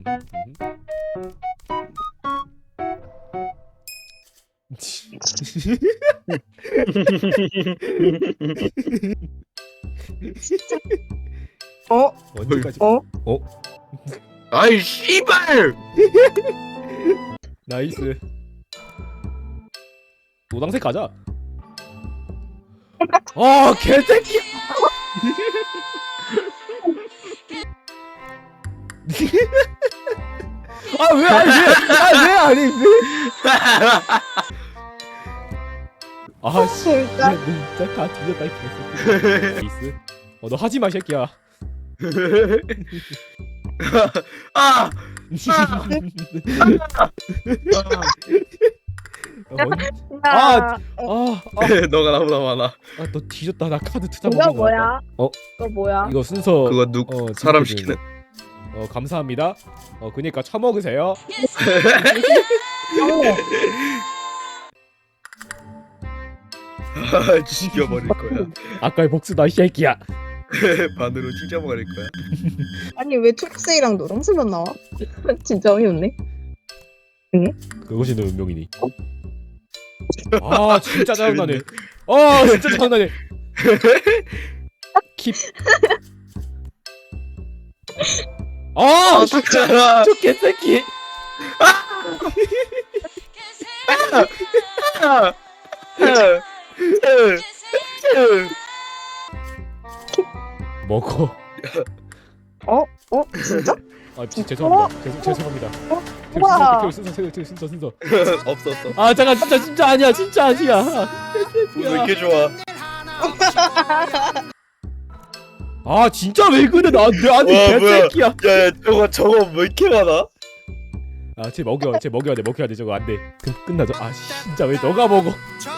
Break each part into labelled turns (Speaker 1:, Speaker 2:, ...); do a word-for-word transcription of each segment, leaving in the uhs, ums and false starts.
Speaker 1: 어?
Speaker 2: 언제까지?
Speaker 1: 어?
Speaker 2: 어?
Speaker 3: 아이 씨발!
Speaker 2: 나이스. 노당색 가자. 아 개새끼. 아 왜 아니 왜아왜 아니 왜? 아 씨.
Speaker 1: 진짜?
Speaker 2: 진짜 다 뒤졌다 이 개새끼. 나이스. 어 너 하지 마 이 새끼야.
Speaker 3: 아!
Speaker 2: 아,
Speaker 1: 아,
Speaker 2: 아,
Speaker 3: 너가 나보다 많아.
Speaker 2: 아, 너 뒤졌다. 나 카드 투자
Speaker 1: 이거
Speaker 2: 먹는 거
Speaker 1: 뭐야?
Speaker 2: 같다. 어,
Speaker 1: 이거 뭐야?
Speaker 2: 이거 순서
Speaker 3: 그거 누
Speaker 2: 어,
Speaker 3: 사람
Speaker 2: 지금
Speaker 3: 시키는.
Speaker 2: 어, 감사합니다. 어, 그니까 처먹으세요.
Speaker 3: 아, 죽여버릴 거야.
Speaker 2: 아까의 복수다 이 새끼야.
Speaker 3: 반으로 찢어버릴 거야.
Speaker 1: 아니 왜 초록색이랑 노란색만 나와? 진짜 어이없네.
Speaker 2: 그것이 너 운명이니. 아, 진짜 짜증나네. 아, 진짜 짜증나네. 킵. 아, 진짜 저 개새끼. 먹어.
Speaker 1: 어? 어? 진짜?
Speaker 2: 아, 지, 죄송합니다. 죄송 죄송합니다.
Speaker 1: 우와.
Speaker 2: 순서 순서 순서 순서 순서.
Speaker 3: 없었어.
Speaker 2: 아, 잠깐 진짜 진짜 아니야. 진짜 아니야.
Speaker 3: 왜 이렇게 좋아?
Speaker 2: 아, 진짜 왜 그래? 나내 아니
Speaker 3: 와, 뭐야.
Speaker 2: 개새끼야.
Speaker 3: 야, 야, 저거 저거 왜 이렇게 많아?
Speaker 2: 아, 쟤 먹여. 쟤 먹여야 돼. 먹여야 돼. 저거 안 돼. 그 끝나죠. 아, 진짜 왜 너가 먹어?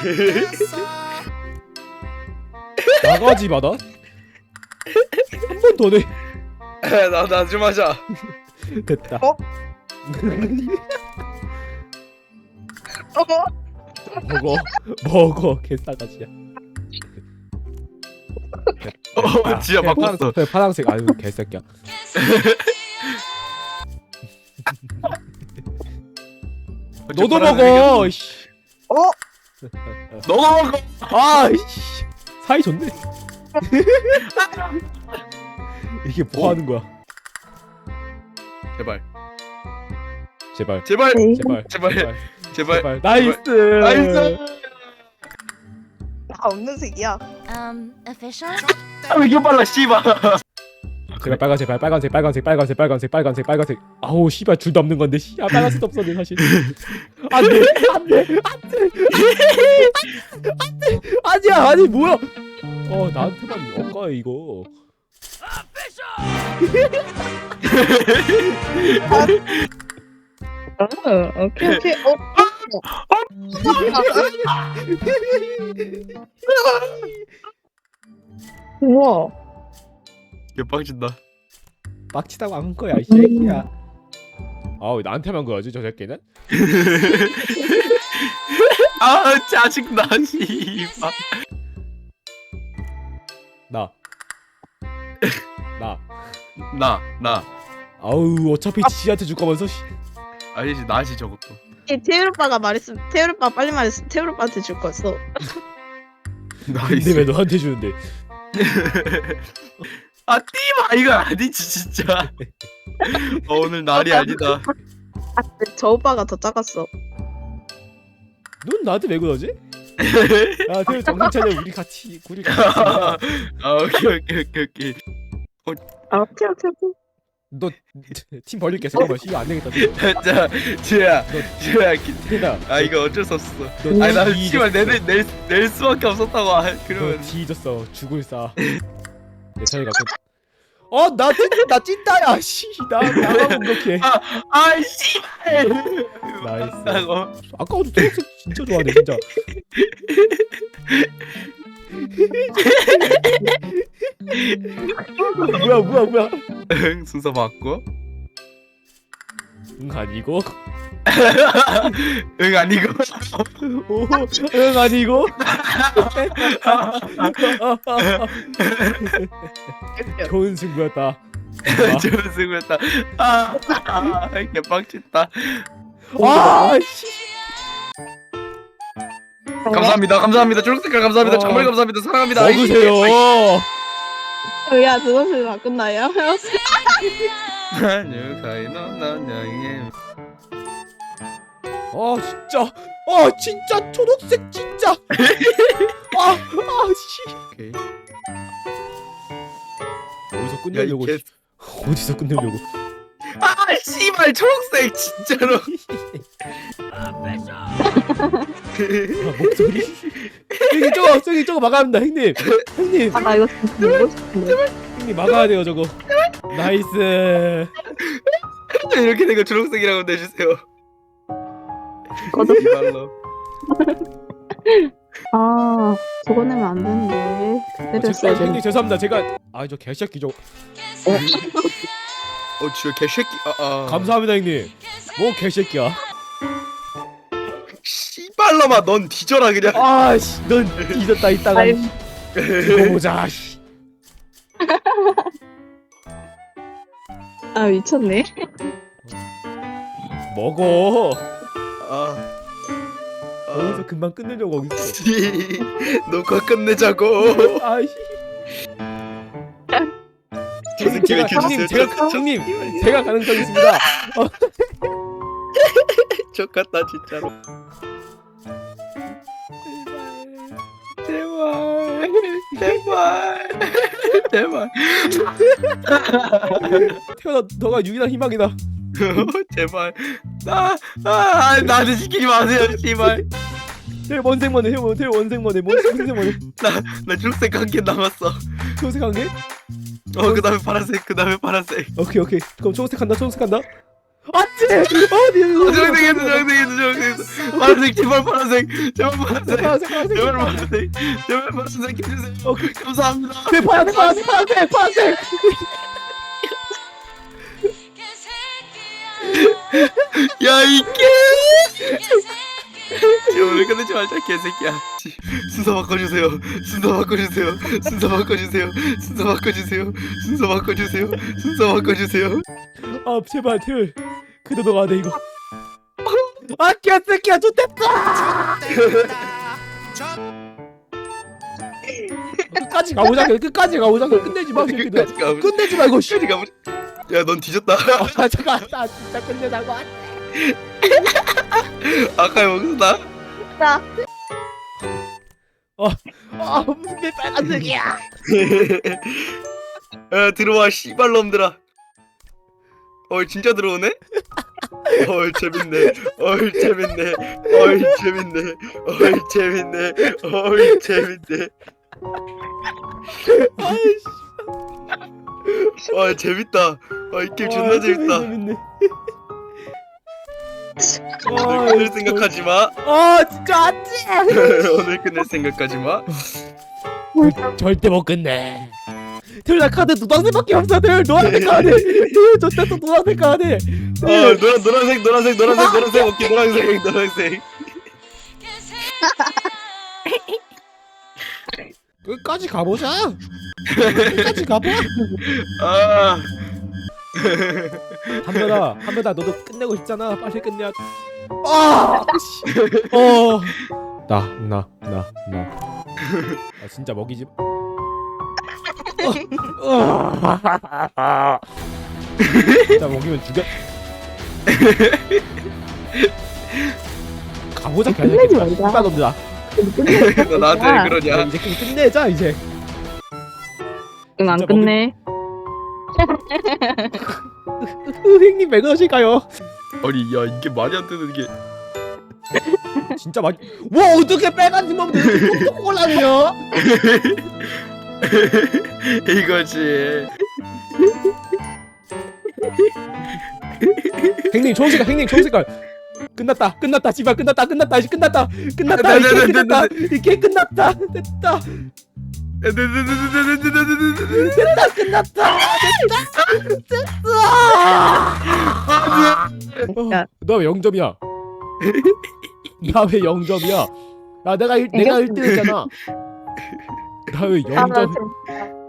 Speaker 2: 나가지 마 나. 한 번 더 내.
Speaker 3: 나나 좀 하자.
Speaker 2: 됐다.
Speaker 1: 어? 어?
Speaker 2: 먹어. 먹어. 개싸가지야.
Speaker 3: 어, 진짜 바꿨어.
Speaker 2: 파랑, 파랑색. 아유, 개새끼야. 너도 먹어. 씨.
Speaker 1: 어?
Speaker 3: 너가 먹어.
Speaker 2: 아, 씨. 사이 좋네. 이게 뭐 하는 거야?
Speaker 3: 제발,
Speaker 2: 제발.
Speaker 3: 제발,
Speaker 1: 네.
Speaker 2: 제발.
Speaker 3: 제발, 제발.
Speaker 2: 제발. 나이스.
Speaker 3: 나이스.
Speaker 1: 나 없는 색이야.
Speaker 4: Um, official?
Speaker 3: 아, 왜 이렇게 빨라, 씨발.
Speaker 2: 제발 빨간색, 빨- 빨간색, 빨간색, 빨간색, 빨간색, 빨간색, 빨간색. 아우 씨발 둘 다 없는 건데. 씨, 아 빨간색도 없었네 사실. 안돼, 안돼, 안돼, 안돼, 아니야, 아니 뭐야? 어 나한테만 엇가 이거.
Speaker 1: 어, 오케이 오케이. 어? 우와.
Speaker 3: 개빡친다.
Speaker 2: 빡치다고 한 거야 이 새끼야. 아우 나한테만 그러지 저 새끼는?
Speaker 3: 아, 짜증나, 씨발.
Speaker 2: 나. 나.
Speaker 3: 나, 나.
Speaker 2: 아우 어차피 지한테 줄 거면서. 씨.
Speaker 3: 아니지, 나지 저것도.
Speaker 1: 이 태율 오빠가 말했으면 태율 오빠 빨리 말했으면 태율 오빠한테 줄 거였어.
Speaker 2: 근데
Speaker 3: 나이스.
Speaker 2: 왜 너한테 주는데?
Speaker 3: 아, 띠마 이거 아니지 진짜. 어, 오늘 날이 아니다.
Speaker 1: 아, 근데 저 오빠가 더 작았어.
Speaker 2: 넌 나한테 왜 그러지? 야, 그 정신 차려 우리 같이 우리 같이.
Speaker 3: 아, 오케이 오케이 오케이 오케이.
Speaker 1: 아, 오케이 오케이 오케이.
Speaker 2: 너팀 벌릴게 잠깐만. 이거 안 되겠다.
Speaker 3: 자, 지우야, 지우야, 기-
Speaker 2: 태다.
Speaker 3: 아 이거 어쩔 수 없어.
Speaker 2: 너
Speaker 3: 아니 나
Speaker 2: 뒤졌어.
Speaker 3: 씨발 내낼 낼, 낼 수밖에 없었다고. 아,
Speaker 2: 너
Speaker 3: 그러면
Speaker 2: 뒤졌어. 죽을 싸. 내 차례 갖고. 어나 찐나 찐따야. 씨, 나 나만 공격해.
Speaker 3: 아 씨발.
Speaker 2: 나이스.
Speaker 3: 나고.
Speaker 2: 아까도 초록색 진짜 좋아하네 진짜. 뭐야 뭐야 뭐야.
Speaker 3: 응, 순서 바꿔.
Speaker 2: 응 아니고.
Speaker 3: 응 아니고.
Speaker 2: 오, 응 아니고. 좋은 승부였다.
Speaker 3: 저는 수고했다. 아, 아 개빡쳤다.
Speaker 2: 아 씨.
Speaker 3: 감사합니다. 감사합니다. 초록색깔 감사합니다.
Speaker 2: 어.
Speaker 3: 정말 감사합니다. 사랑합니다.
Speaker 2: 먹으세요.
Speaker 1: 야 드럼실 다 끝나요?
Speaker 2: 아 진짜. 아 진짜 초록색 진짜. 아아 씨.
Speaker 3: 오케이.
Speaker 2: 어디서
Speaker 3: 야, 이
Speaker 2: 끝내려고?
Speaker 3: 개...
Speaker 2: 어디서 끝내려고?
Speaker 3: 아 씨발 초록색 진짜로.
Speaker 2: 아, 목소리. 형님 저거 저기 저거 막아야 합니다 형님. 형님
Speaker 1: 아 나 이거 진짜 보고 싶은데.
Speaker 2: 형님 막아야 돼요 저거. 나이스.
Speaker 3: 이렇게 된 거 초록색이라고 내주세요.
Speaker 1: 거듭.
Speaker 3: 이발로.
Speaker 1: 아 저거 내면 안 되는데.
Speaker 2: 아,
Speaker 1: 때렸어야
Speaker 2: 제- 형님
Speaker 1: 되는데.
Speaker 2: 죄송합니다. 제가 아 저 개새끼 저
Speaker 3: 어 주여 개새끼. 아, 아.
Speaker 2: 감사합니다 형님. 뭐 개새끼야.
Speaker 3: 씨발놈아 넌 뒤져라 그냥.
Speaker 2: 아씨 넌 잊었다 이따가
Speaker 1: 아이,
Speaker 2: 이거 보자. 씨.
Speaker 1: 아 미쳤네.
Speaker 2: 먹어.
Speaker 3: 아.
Speaker 2: 어디서 금방 끝내려고 거기서.
Speaker 3: 씨, 녹화 끝내자고.
Speaker 2: 아이씨.
Speaker 3: 저 새끼
Speaker 2: 제가
Speaker 3: 왜
Speaker 2: 형님
Speaker 3: 이렇게
Speaker 2: 제가 형님 제가 가능성 있습니다.
Speaker 3: 족같다 진짜로. 제발 제발 제발
Speaker 2: 태어나 너가 유일한 희망이다.
Speaker 3: 제발 나 아, 나한테 시키지 마세요 씨발.
Speaker 2: 태 원생만해 태 원- 태 원생만해 원생만해.
Speaker 3: 나 초록색 한 개 남았어.
Speaker 2: 초록색 한 개?
Speaker 3: 어 그다음에 파란색 그다음에 파란색.
Speaker 2: 오케이 오케이. 그럼 초록색 한다 초록색 한다. 아찌 어디
Speaker 3: 어, 초록색 했어 초록색 했어 초록색 했어. 파란색 제발 파란색 제발 파란색
Speaker 2: 파란색 파란색
Speaker 3: 제발 파란색 제발 파란색 해주세요.
Speaker 2: 오케이.
Speaker 3: 감사합니다.
Speaker 2: 네 파란색 파란색 파란색 파란색.
Speaker 3: 야이 개. 오늘 끝내지 말자 개새끼야. 씨, 순서 바꿔주세요. 순서 바꿔주세요. 순서 바꿔주세요. 순서 바꿔주세요. 순서 바꿔주세요. 순서 바꿔주세요.
Speaker 2: 아 제발 태율 그래도 너가 돼 이거. 아 개새끼야 좋댔다. 끝까지 가보자 끝까지 가보자 끝내지 마 새끼들.
Speaker 3: 끝까지 가보자.
Speaker 2: 끝내지 말고 씨.
Speaker 3: 끝까지 가보자. 야넌 뒤졌다.
Speaker 2: 아 잠깐 나 진짜 끝내자고.
Speaker 3: 아까 여기서 나.
Speaker 1: 자
Speaker 2: 아 무슨 게 빨간색이야.
Speaker 3: 야 들어와 씨발놈들아. 어 진짜 들어오네? 어이 재밌네. 어이 재밌네. 어이 재밌네. 어이 재밌네. 어이 재밌네.
Speaker 2: 아이씨.
Speaker 3: 와 재밌다. 와이 게임 존나 재밌다.
Speaker 2: 재밌네.
Speaker 3: 오늘 끝낼 생각하지 마.
Speaker 2: 아 진짜 안돼.
Speaker 3: 오늘 끝낼 생각하지 마.
Speaker 2: 절대 못 끝내. 태율 나 카드 노란색밖에 없어. 태율 노란색 카드. 태율 저 때도 노란색 카드.
Speaker 3: 어 노란 노란색 노란색 노란색 노란색 오케이 노란색 노란색.
Speaker 2: 끝까지 가보자. 끝까지 가봐.
Speaker 3: 아
Speaker 2: 한별아, 한별아 너도 끝내고 싶잖아. 빨리 끝내야. 아, 씨. 어. 나, 나, 나, 나. 아 진짜 먹이지. 어. 어. 진짜 먹이면 죽여. 가보자
Speaker 1: 끝내지
Speaker 2: 개새끼야.
Speaker 1: 말자.
Speaker 2: 놈들아.
Speaker 3: 너 나한테 왜 그러냐?
Speaker 2: 이제 게임 끝내자 이제.
Speaker 1: 응 안
Speaker 2: 진짜
Speaker 1: 끝내.
Speaker 2: 형님 왜 그러실까요?
Speaker 3: 아니 야 이게 말이 안 되는 게.
Speaker 2: 진짜 많이. 와 어떻게 빨간색 먹는데 이렇게 톡톡 올라오냐?
Speaker 3: 이거지.
Speaker 2: 형님 좋은 색깔, 형님 좋은 색깔. 끝났다, 끝났다, 씨발 끝났다, 끝났다, 이제 끝났다, 끝났다, 이게 끝났다, 이게 끝났다, 됐다, 됐다, 끝났다, 됐다.
Speaker 1: 야.
Speaker 2: 너 왜 영 점이야? 나 왜 영 점이야? 야 내가 일, 내가 일 등 했잖아. 나 왜 영 점?